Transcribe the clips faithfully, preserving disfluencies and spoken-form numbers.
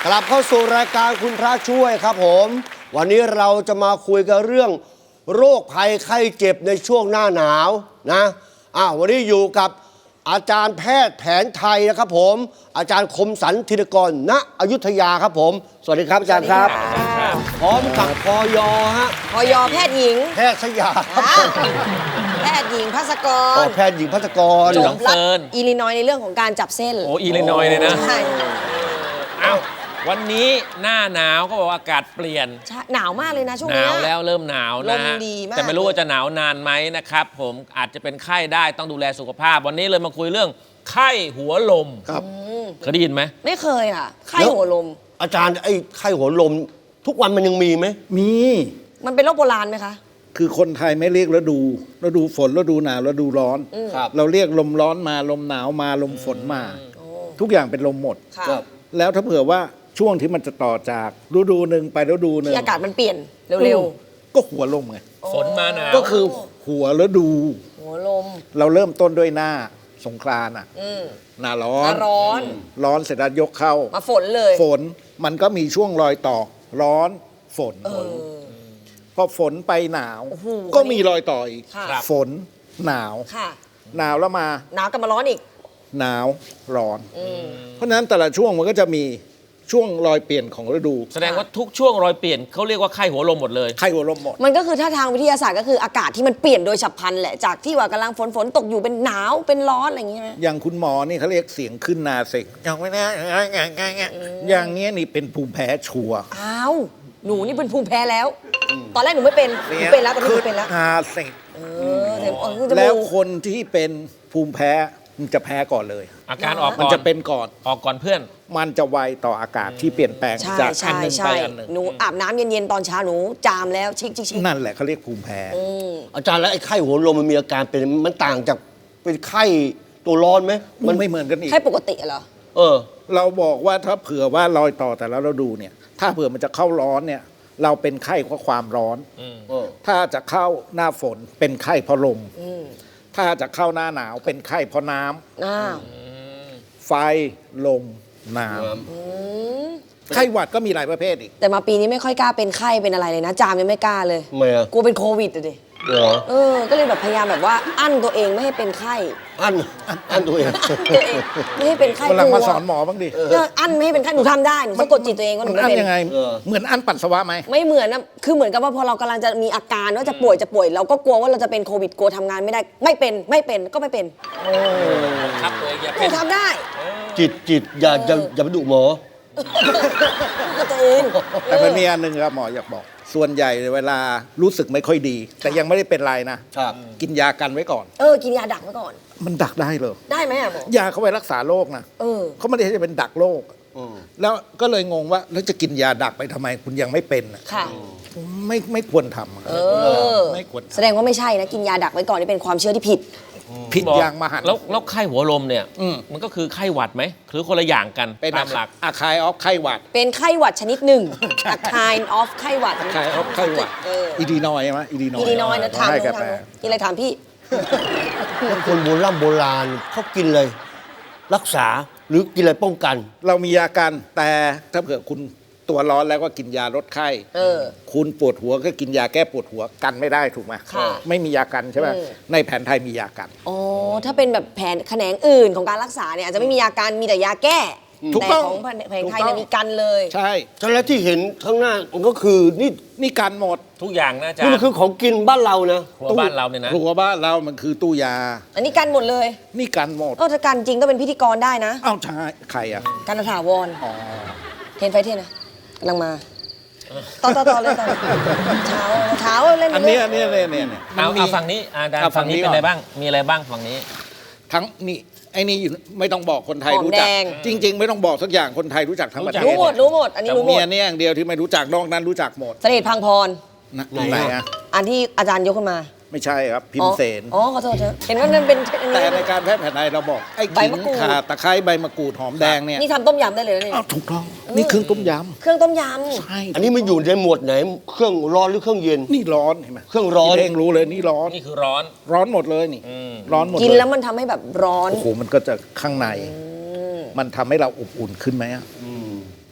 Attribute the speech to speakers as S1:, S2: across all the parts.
S1: ลับเข้าสู่รายการคุณพระช่วยครับผมวันนี้เราจะมาคุยกันเรื่องโรคภัยไข้เจ็บในช่วงหน้าหนาวนะอ่ะวันนี้อยู่กับอาจารย์แพทย์แผนไทยนะครับผมอาจารย์คมสันธินกรณอยุธยาครับผมสวัสดีครับอาจารย์ครับพร้อมกับพยฮะ
S2: พยแพทย์หญิง
S1: แพทย์สยาม
S2: แพทย์หญิงภัสกร
S1: แพทย์หญิงภัสกร
S2: จบรัฐอิลลินอยในเรื่องของการจับเส้น
S3: โอ้อิลลินอยเลยนะ
S2: ใช่
S3: อ้าววันนี้หน้าหนาวก็บอกว่าอากาศเปลี่ยน
S2: หนาวมากเลยนะช่วง
S3: นี้
S2: ห
S3: นาวแล้วเริ่มหนาวนะฮะแต่ไม่รู้ว่าจะหนาวนานไหมนะครับผมอาจจะเป็นไข้ได้ต้องดูแลสุขภาพวันนี้เลยมาคุยเรื่องไข้หัวลม
S1: ครับ
S3: เคยได้ยินไหม
S2: ไม่เคยค่ะไข้หัวลม
S1: อาจารย์ไอ้ไข้หัวลมทุกวันมันยังมีไหม
S4: มี
S2: มันเป็นโรคโบราณไหมคะ
S4: คือคนไทยไม่เรียกฤดูฤดูฝนฤดูหนาวฤดูร้อนเราเรียกลมร้อนมาลมหนาวมาลมฝนมาทุกอย่างเป็นลมหมดแล้วถ้าเผื่อว่าช่วงที่มันจะต่อจากฤดูหนึ่งไปฤดูหนึ่ง
S2: ที่อากาศมันเปลี่ยนเร็ว
S4: ๆก็หัวลมไง
S3: ฝนมาหนาว
S4: ก็คือหัวฤดู
S2: หัวลม
S4: เราเริ่มต้นด้วยหน้าสงกรานต์อ่ะหน้าร้อน
S2: ร้อน
S4: ร้อนเสร็จแล้วยกเข้า
S2: มาฝนเลย
S4: ฝนมันก็มีช่วงรอยต่อร้อนฝนพอฝนไปหนาวก็มีรอยต่ออีกฝนหนาวหนาวแล้วมา
S2: หนาวกลับมาร้อนอีก
S4: หนาวร้อนเพราะฉะนั้นแต่ละช่วงมันก็จะมีช่วงรอยเปลี่ยนของฤดู
S3: แสดงว่าทุกช่วงรอยเปลี่ยนเขาเรียกว่าไข้หัวลมหมดเลย
S4: ไข้หัวลมหมด
S2: มันก็คือถ้าทางวิทยาศาสตร์ก็คืออากาศที่มันเปลี่ยนโดยฉับพลันแหละจากที่ว่ากำลังฝนฝนตกอยู่เป็นหนาวเป็นร้อนอะไรอย่างเงี้ย
S4: อย่างคุณหมอนี่เขาเรียกเสียงขึ้นนาเสียงอย่างไม่ได้อย่างเงี้ยนี่เป็นภูมิแพ้ชัวร์
S2: อ้าวหนูนี่เป็นภูมิแพ้แล้วตอนแรกหนูไม่เป็นหนูเป็นแล้วตอนนี้หนูเป็นแล้ว
S4: นาเสียงแล้วคนที่เป็นภูมิแพ้มันจะแพ้ก่อนเลย
S3: อาการออก
S4: มันจะเป็นก่อน
S3: ออกก่อนเพื่อน
S4: มันจะไวต่ออากาศที่เปลี่ยนแปลงจากอันหนึ่งไปอันหนึ่ง
S2: หนูอาบน้ำเย็นๆตอนเช้าหนูจามแล้วชิคๆ
S4: นั่นแหละเขาเรียกภูมิแพ้
S1: อาจารย์แล้วไอ้ไข้หัวลมมันมีอาการเป็นมันต่างจากเป็นไข้ตัวร้อนไหม
S4: มันไม่เหมือนกันอีก
S2: ไข้ปกติเหรอ
S1: เออ
S4: เราบอกว่าถ้าเผื่อว่ารอยต่อแต่ละฤดูเนี่ยถ้าเผื่อมันจะเข้าร้อนเนี่ยเราเป็นไข้เพราะความร้อนถ้าจะเข้าหน้าฝนเป็นไข้เพราะลมถ้าจะเข้าหน้าหนาวเป็นไข้เพราะน้ำไฟลมน้ำไข้หวัดก็มีหลายประเภทอีก
S2: แต่มาปีนี้ไม่ค่อยกล้าเป็นไข้เป็นอะไรเลยนะจามยังไม่กล้าเลยกลัวเป็นโควิดเลยเออก็เลยแบบพยายามแบบว่าอั้นตัวเองไม่ให้เป็นไข้
S1: อั้นอั้นตัวเอง
S2: ไม่ให้เป็นไข้
S4: กำลังมาสอนหมอบ้างดิ
S2: อั้นไม่ให้เป็นไข้หนูทำได้หนูสะกดจิตตัวเองว่าหนูไม่เป็น
S4: ยังไงเหมือนอั้นปัสสาวะไหม
S2: ไม่เหมือนนะคือเหมือนกับว่าพอเรากำลังจะมีอาการว่าจะป่วยจะป่วยเราก็กลัวว่าเราจะเป็นโควิดกลัวทำงานไม่ได้ไม่เป็นไม่เป็นก็ไม่เป็น
S3: ครับเลยอย่า
S2: เป็นทำได้
S1: จิตจิตอย่าอย่าอย่าไปดุหมอ
S2: ตัวเอง
S4: แต่มันมีอันหนึ่งครับหมออยากบอกส่วนใหญ่เวลารู้สึกไม่ค่อยดีแต่ยังไม่ได้เป็นไรนะกินยากันไว้ก่อน
S2: เออกินยาดักไว้ก่อน
S4: มันดักได้เลย
S2: ได้ไหมอะหมอย
S4: าเขาไว้รักษาโรคนะเขาไม่ได้จะเป็นดักโรคแล้วก็เลยงงว่าแล้วจะกินยาดักไปทำไมคุณยังไม่เป็น
S2: ค่ะ
S4: ไม่ไม่ควรทำ
S2: เออไม่ควรแสดงว่าไม่ใช่นะกินยาดักไว้ก่อนนี่เป็นความเชื่อที่ผิด
S4: ผิดอย่างมหันต์
S3: แล้วแล้วไข้หัวลมเนี่ยมันก็คือไข้หวัดไหมหรือคนละอย่างกันตามหลัก
S4: อะคายออฟไข้หวัด
S2: เป็นไข้หวัดชนิดหนึ่งอะคายออฟไข้หวัด
S4: อะคายออฟไข้หวัดอีดีนอยใช่ไหมอีดีนอย
S2: อีดีนอยนะถามถามกินอะไรถามพี่
S1: คนโบราณโบราณเขากินเลยรักษาหรือกินอะไรป้องกัน
S4: เรามียากันแต่ถ้าเผื่อคุณตัวร้อนแล้วก็กินยาลดไข้คุณปวดหัวก็กินยาแก้ปวดหัวกันไม่ได้ถูกไหมไม่มียากันใช่ไหมในแผนไทยมียากัน
S2: อ๋อถ้าเป็นแบบแผนแขนงอื่นของการรักษาเนี่ยอาจจะไม่มียากันมีแต่ยาแก้แต่ของแผนไทยเนี่ยมีกันเลย
S4: ใช่
S1: แล้วที่เห็นข้างหน้ามันก็คือนี่
S4: นี่กันหมด
S3: ทุกอย่างนะจ๊ะ
S1: นี่มันคือของกินบ้านเรานะ
S3: หัวบ้านเราเนี่ยนะ
S4: หัวบ้านเรามันคือตู้ยา
S2: อันนี้กันหมดเลย
S4: นี่กันหมด
S2: ก็ถ้ากันจริงก็เป็นพิธีกรได้นะ
S4: อ้าวใช่ใครอ่ะ
S2: กันถาวรอ๋อเทนไฟเทนนะกำลังมาต่อต่อต่อเลยต่อเท้าเท้าเล่น
S4: อันนี้อันนี้เนี่ยเนี่ย
S3: เอาเอาฝั่งนี้อาจารย์ฝั่งนี้เป็นอะไรบ้างมีอะไรบ้างฝั่งนี้
S4: ทั้งนี่ไอ้นี่อยู่ไม่ต้องบอกคนไทยรู้จักจริงๆไม่ต้องบอกสักอย่างคนไทยรู้จักทั้งประเทศ
S2: รู้หมดรู้หมดอันนี้รู้หมด
S4: มีอันนี้อย่างเดียวที่ไม่รู้จักนอกนั้นรู้จักหมด
S2: เสด็จพังพร
S4: ไหนอ่ะ
S2: อันที่อาจารย์ยกขึ้นมา
S4: ไม่ใช่ครับพิมพ์เสน
S2: อ๋อขอโทษเถอะเห็นว่านั่นเป็น
S4: แต่ในการแพทย์แผนไทยเราบอกไอ้ขิงข่าตะไคร้ใบมะกรูดหอมแดงเนี่ย
S2: นี่ทำต้มยำได้เลยนี่
S4: ถูกต้องนี่เครื่องต้มย
S2: ำเครื่องต้มย
S4: ำใช่
S1: อันนี้มันอยู่ในหมวดไหนเครื่องร้อนหรือเครื่องเย็น
S4: นี่ร้อนเห็นไหม
S1: เครื่องร้อน
S4: เองรู้เลยนี่ร้อน
S3: นี่คือร้อน
S4: ร้อนหมดเลยนี่ร้อนหมด
S2: กินแล้วมันทำให้แบบร้อน
S4: โอ้โหมันก็จะข้างในมันทำให้เราอบอุ่นขึ้นไหมอ่ะ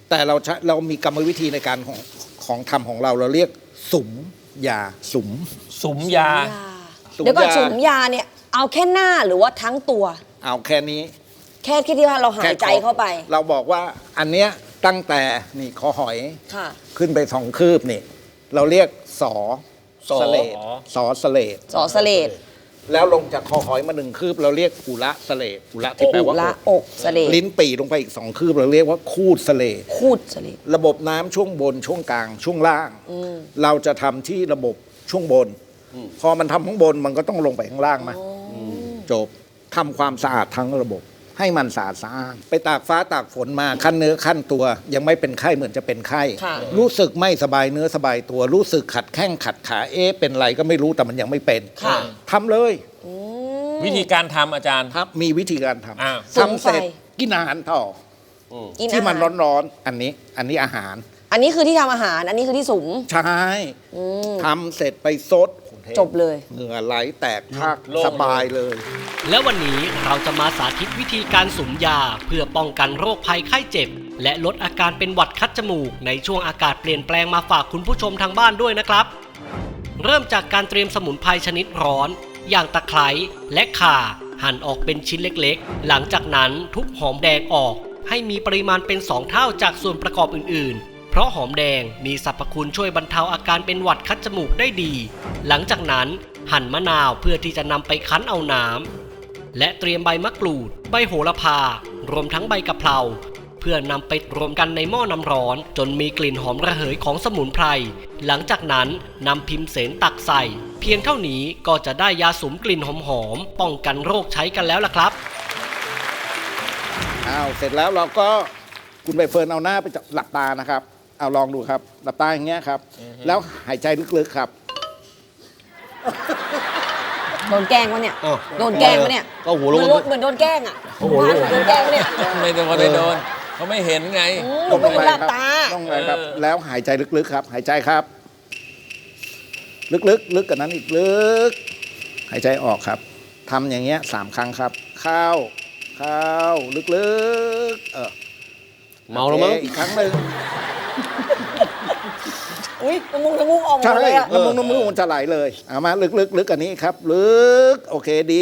S4: แต่เราใช้เรามีกรรมวิธีในการของของทำของเราเราเรียกสุมยาสุม
S3: สุมยา
S4: สุมยา
S2: เดี๋ยวก่อนสุมยาเนี่ยเอาแค่หน้าหรือว่าทั้งตัว
S4: เอาแค่นี้
S2: แค่แค่ที่ว่าเราหายใจ
S4: แค่ขอ
S2: เข้าไป
S4: เราบอกว่าอันเนี้ยตั้งแต่นี่คอหอย
S2: ค่ะ
S4: ขึ้นไปสองคืบนี่ เราเรียกสอ
S1: สอ
S4: สเลดสอสเลด
S2: สอสเลด
S4: แล้วลงจากคอหอยมาหนึ่งคืบ เราเรียกอุระสเลดอุระที่แปลว่า
S2: ละ
S4: อก
S2: อกสเลด
S4: ลิ้นปี่ลงไปอีกสองคืบ เราเรียกว่าคูดสเลด
S2: คูดสเลด
S4: ระบบน้ำช่วงบนช่วงกลางช่วงล่าง เราจะทำที่ระบบช่วงบน พอมันทำข้างบนมันก็ต้องลงไปข้างล่างมาจบทำความสะอาดทั้งระบบ ให้มันสะอาดสะอ้านไปตากฟ้าตากฝนมาขั้นเนื้อขั้นตัว ยังไม่เป็นไข้เหมือนจะเป็นไข้
S2: ค่ะ
S4: รู้สึกไม่สบายเนื้อสบายตัว รู้สึกขัดแข้งขัดขาเอ๊ะเป็นไรก็ไม่รู้แต่มันยังไม่เป็น
S2: ค่ะ
S4: ทำเลย
S3: วิธีการทำอาจารย์
S4: ครับมีวิธีการท
S3: อ้าว
S4: ำทำเสร็จกินอาหารต่อ
S2: กิน
S4: ที่มัน
S2: อาหาร
S4: ร้อนๆอันนี้อันนี้อาหาร
S2: อันนี้คือที่ทำอาหาร อันนี้คือที่สุม
S4: ใช่ทำเสร็จไปซด
S2: จบเลย
S4: เหงื่อไหลแตกพาก
S3: โล่ง
S4: สบายเลย
S5: และวันนี้เราจะมาสาธิตวิธีการสุมยาเพื่อป้องกันโรคภัยไข้เจ็บ และลดอาการเป็นหวัดคัดจมูกในช่วงอากาศเปลี่ยนแปลงมาฝากคุณผู้ชมทางบ้านด้วยนะครับ เริ่มจากการเตรียมสมุนไพรชนิดร้อน อย่างตะไคร้และข่าหั่นออกเป็นชิ้นเล็กๆ หลังจากนั้นทุบหอมแดงออก ให้มีปริมาณเป็นสองเท่าจากส่วนประกอบอื่นๆ เพราะหอมแดงมีสรรพคุณช่วยบรรเทาอาการเป็นหวัดคัดจมูกได้ดี หลังจากนั้นหั่นมะนาวเพื่อที่จะนำไปคั้นเอาน้ำและเตรียมใบมะกรูด ใบโหระพารวมทั้งใบกะเพราเพื่อนำไปรวมกันในหม้อน้ำร้อนจนมีกลิ่นหอมระเหยของสมุนไพรหลังจากนั้นนำพิมพ์เสนตักใส่ เพียงเท่านี้ก็จะได้ยาสุมกลิ่นหอมๆป้องกันโรคใช้กันแล้วล่ะครับ
S4: อ้าวเสร็จแล้วเราก็คุณใบเฟิร์นเอาหน้าไปจับหลับตานะครับ เอาลองดูครับ หลับตาอย่างเงี้ยครับ แล้วหายใจลึกๆครับ
S2: โดนแกล้งวะเนี่ย
S1: อ้าว
S2: โดนแกล้งวะเนี่ย
S1: ก็หัวโล้น
S2: เหมือนเหมือนโดนแกล้งอ่ะเหมือนโดนแกล้งวะเนี่ย
S3: ไม่โดนไม่โดนเขาไม่เห็นไง
S2: อืมเหมือนหลับตา
S4: ต้องเลยครับ
S3: เออ
S4: แล้วหายใจลึกๆครับ หายใจครับ ลึกๆลึกกันนั้นอีกลึก หายใจออกครับทำอย่างเงี้ยสามครั้งครับ เข้า เข้า ลึกๆ เออ
S1: เมาแล้วมั้ง
S4: โอเคอีกครั้งหนึ่ง
S2: อุ้ยน้ำมูกน้ำมูกออกหม
S4: ใช่
S2: ดเลยอ่ะ
S4: น้ำมูกน้ำมูกมันจะไหลเลย เอามาลึกๆลึกกันนี้ครับ ลึก โอเคดี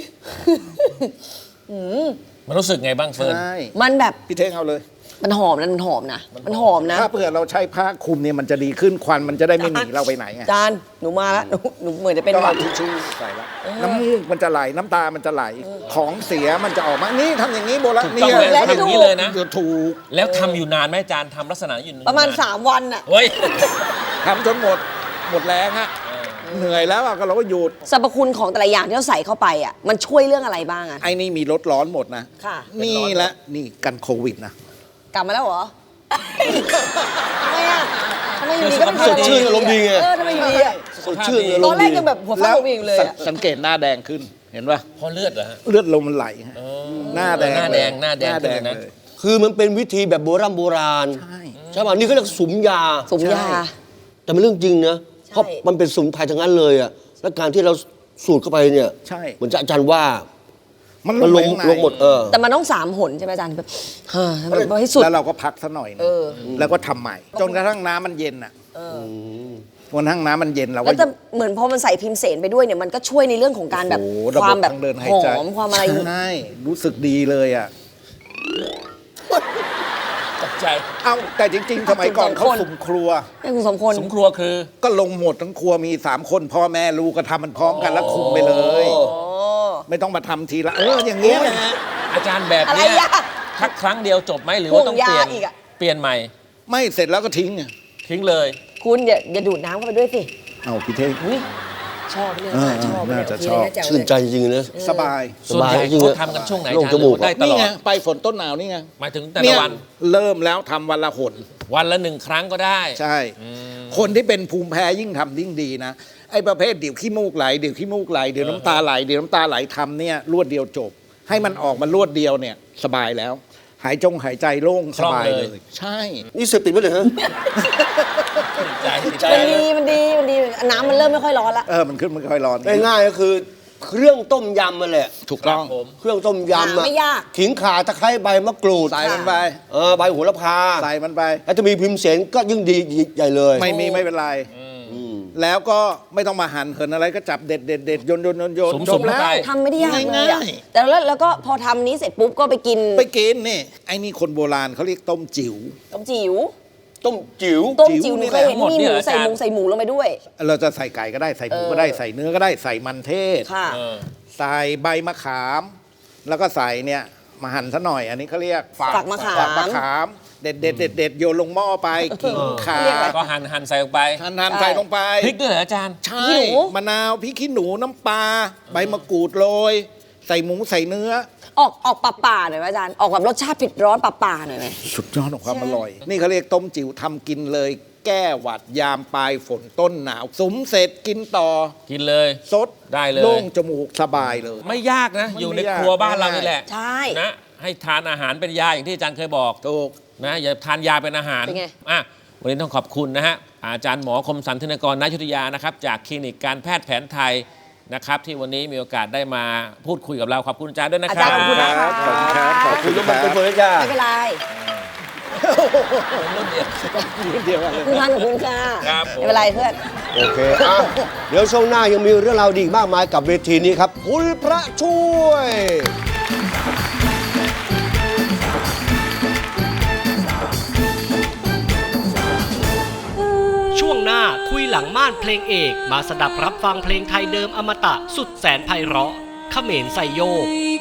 S3: มันรู้สึกไงบ้างเฟิร์น
S4: ใช่
S2: มันแบบ
S4: พี่เท่งเอาเลย
S2: มันหอมนะมันหอมนะมันหอมนะ
S4: ถ้าเผื่อเราใช้ผ้าคลุมเนี่ยมันจะดีขึ้นควันมันจะได้ไม่หนีเราไปไหนไง
S2: จานหนูมาแล้วหนูหนูเหมือนจะเป็น
S4: ก็
S2: หวั
S4: เอา
S2: ด
S4: ทิชชู่ใส่ละน้ำมูกมันจะไหลน้ำตามันจะไหลของเสียมันจะออกมานี่ทำอย่างนี้โบราณ
S3: ถูก
S4: นี่
S3: ต้องเลย
S2: แล้ว
S3: ทำอย่างนี้เลยนะ
S4: ถูก
S3: แล้วทำอยู่นานไหมอาจารย์ทำลักษณะอยู่นน
S2: ประมาณสามวันอ่ะ
S3: เฮ้ย
S4: ทำจนหมดหมดแรงฮะเหนื่อยแล้วอะก็เราก็หยุด
S2: สรรพคุณของแต่ละอย่างที่เราใส่เข้าไปอ่ะมันช่วยเรื่องอะไรบ้างอ่ะ
S4: ไอ้นี่มีรถร้อนหมดนะ
S2: ค่ะ
S4: นี่แหละนี่กันโควิดนะ
S2: กลับมาแล้วเหรอทำไมอ่ะทำไมอยู่ดีก็เป็น
S1: สดชื่นอารมณ์ดีไง
S2: เออทำไมอยู่ดีอ่ะ
S1: สดชื่นเลย
S2: ตอนแรกยังแบบหัวฟ้า
S4: แล้ว
S2: หัววิงเลย
S4: สัง
S2: อะ
S4: สังเกตหน้าแดงขึ้นเห็นปะ
S3: เพราะเลือดเหรอฮะ
S4: เลือดลมมันไหลฮะหน้าแดง
S3: หน้าแดง
S4: เลย
S3: หน้าแดง
S4: หน้าแดง
S3: ขึ้นเลยนะ
S4: เลย
S1: คือมันเป็นวิธีแบบโบราณโบราณ
S4: ใช่
S1: ใช่ป่ะนี่เขาเรียกสุมยา
S2: สมยา
S1: แต่เป็นเรื่องจริงนะ
S2: ใช่
S1: เพราะมันเป็นสมุนไพรทั้งนั้นเลยอ่ะและการที่เราสูดเข้าไปเนี่ย
S4: ใช่
S1: เหมือนจะอาจารย์ว่า
S4: มัน
S1: มันลง
S4: ไปข้าใน
S1: ลงหมดเออ
S2: แต่มันต้องสามหนใช่ไหมอาจารย์แบบเฮ้ยแบบให้สุด
S4: แล้วเราก็พักซะหน่อยนึง
S2: เออ
S4: แล้วก็ทำใหม่ จนกระทั่งน้ำมันเย็นอ่ะจนกระทั่งน้ำมันเย็นเราก็
S2: แล้วจะเหมือนพอมันใส่พิมพ์เสนไปด้วยเนี่ยมันก็ช่วยในเรื่องของการแบบ
S4: โอ้โหระ
S2: ความแบบ
S4: ทงเดินหา
S2: ห
S4: ยใจ
S2: อมความอะไร
S4: ใช่รู้สึกดีเลยอ่ะ
S3: ตกใจ
S4: เอ้าแต่จริง ๆ สมัยก่อนเขาสุ่มครัว
S2: ให้คุณสมพล
S3: สมครัวคือ
S4: ก็ลงหมดทั้งครัวมีสามคนพ่อแม่ลูกก็ทำมันพร้อมกันแล้วคุมไปเลย
S2: โอ้
S4: ไม่ต้องมาทำทีละเอออย่างเงี้ยนะ
S3: อาจารย์แบบ
S2: อะไร
S3: เนี้ย
S2: อ่ะ
S3: ทักครั้งเดียวจบไหมหรือว่าต้องเปลี่ยน
S2: ห่วงยาอีกอะ
S3: เปลี่ยนใหม่
S4: ไม่เสร็จแล้วก็ทิ้งอะ
S3: ทิ้งเลย
S2: คุณอย่าอย่าดูดน้ำเข้าไปด้วยสิ
S4: เอาพี่เท่ง
S2: อุ๊ยชอบเนี่ย
S4: เออ
S2: ชอบ
S4: น่าจะ
S2: เนี่ย
S4: ชอบ
S2: แจ๋วเลย
S1: ชื่นใจจริงๆนะ
S4: สบาย
S3: ส่วนใหญ่
S1: จริงๆ
S3: เขาทำกันช่วงไหนอา
S1: โล่ง
S3: จารย์
S1: จมูก
S3: หรือว่าได้ต
S4: นี่
S3: ลอ
S4: ไง
S3: ด
S4: ไปฝนต้นหนาวนี่ไง
S3: หมายถึงแต่
S4: เนี่
S3: ละ
S4: ย
S3: วัน
S4: เริ่มแล้วทำวันละหน
S3: วันละหนึ่งครั้งก็ได้
S4: ใช่ คนที่เป็นภูมิแพ้ยิ่งทำยิ่งดีนะไอ้ประเภทเดี๋ยวขี้มูกไหลเดี๋ยวขี้มูกไหลเดี๋ยวน้ำตาไหลเดี๋ยวน้ำตาไหลทำเนี่ยรวดเดียวจบ ให้มันออกมารวดเดียวเนี่ยสบายแล้ว หายจงหายใจโล่งสบายเลย ใช่
S1: นี่เสพติดไหมเนี่ยฮะ
S3: ใจใจ
S2: มันดีมันดีมันดีน้ำมันเริ่มไม่ค่อยร้อนละ
S4: เออมันขึ้นมันค่อยร้อน
S1: ง่ายๆก็คือเครื่องต้มยำมาแหละ
S4: ถูกต้อง
S3: ครับผม
S1: เครื่องต้มยำอะ
S2: ไม่ยาก
S1: ขิงข่าตะไคร้ใบมะกรูด
S4: ใส่มันไป
S1: เออใบโหระพา
S4: ใส่มันไป
S1: แล้วจะมีพิมพ์เสนก็ยิ่งดีใหญ่เลย
S4: ไม่มีไม่เป็นไร แล้วก็ไม่ต้องมาหั่นเหินอะไรก็จับเด็ดเด็ดเด็ดโยนโยนโยนโยน
S3: สุ่มๆ
S4: จบแล้ว
S3: เข้าไป
S2: ทำไม่ได้ยากเลยอะ
S4: ง่าย
S2: แต่แล้วแล้วก็พอทำนี้เสร็จปุ๊บก็ไปกิน
S4: ไปกินนี่ไอ้นี่คนโบราณเขาเรียกต้มจิ๋ว
S2: ต้มจิ๋ว
S1: ต้มจิ๋ว
S2: ต้ม
S4: จิ๋
S2: จิ๋ว
S4: ว
S2: ห
S4: นี่
S2: นูเคยเห็น
S3: แหละ
S2: มีหมู
S3: หมดเนี่ย
S2: ใส่หมู
S3: อาจารย์
S2: ใส่หมูลงไปด้วย
S4: เราจะใส่ไก่ก็ได้ใส่หมูก็ได้ใส่เนื้อก็ได้ใส่มันเทศ
S2: ค่ะ
S3: เออ
S4: ใส่ใบมะขาม แล้วก็ใส่เนี่ยมาหั่นซะหน่อย อันนี้เขาเรียก
S2: ฝักมะขาม
S4: ฝักมะขาม เด็ดเด็ดเด็ดเด็ดโยนลงหม้อไปขิงข่า
S2: เรียกอะไร
S3: ก็หั่นหั่นใส่ลงไป
S4: หั่นหั่นใส่ลงไป
S3: พริกด้วยเหรออาจารย์
S4: ใช่
S2: ขี้หนู
S4: มะนาวพริกขี้หนูน้ำปลาใบมะกรูดโรยใส่หมูใส่เนื้อ
S2: ออกออกป่าๆหน่อยไหมอาจารย์ ออกแบบรสชาติเผ็ดร้อนป่าๆหน่อยไหม
S4: สุดยอดของความอร่อย นี่เขาเรียกต้มจิ๋วทำกินเลย แก้หวัดยามปลายฝนต้นหนาวสุมเสร็จกินต่อ
S3: กินเลย
S4: สด
S3: ได้เลย
S4: โล่งจมูกสบายเลย
S3: ไม่ยากนะ
S4: มัน
S3: อยู่
S4: ไม่
S3: ใน
S4: ยาก
S3: ครัวบ้านเรานี่แหละ
S2: ใช่
S3: นะให้ทานอาหารเป็นยาอย่างที่อาจารย์เคยบอก
S4: ถูก
S3: นะอย่าทานยาเป็นอาหาร
S2: เป็นไง
S3: อ่ะวันนี้ต้องขอบคุณนะฮะอาจารย์หมอคมสันธนกรณอยุธยานะครับจากคลินิกการแพทย์แผนไทยนะครับที่วันนี้มีโอกาสได้มาพูดคุยกับเราขอบคุณอาจารย์ด้วยนะ
S2: อา
S3: ครั
S2: จาร
S3: บ
S2: ย์ขอบคุณนะ
S4: ครั
S2: คะ
S4: บขอบคุณครับขอบ
S1: คุณยกมันเป็นเบอร์จ้า
S2: ไม่เป็นไร
S4: เดียวกันเลย
S2: คุณพันกับคุณค่ะ
S3: ครับผม
S2: ไม่เป็นไรเพื่อน
S1: โอเคอ่ะเดี๋ยวช่วงหน้ายังมีเรื่องราวดีอีกมากมายกับเวทีนี้ครับ คุณพระช่วย
S5: ช่วงหน้าคุยหลังม่านเพลงเอกมาสดับรับฟังเพลงไทยเดิมอมตะสุดแสนไพเราะเขมรใส่โยก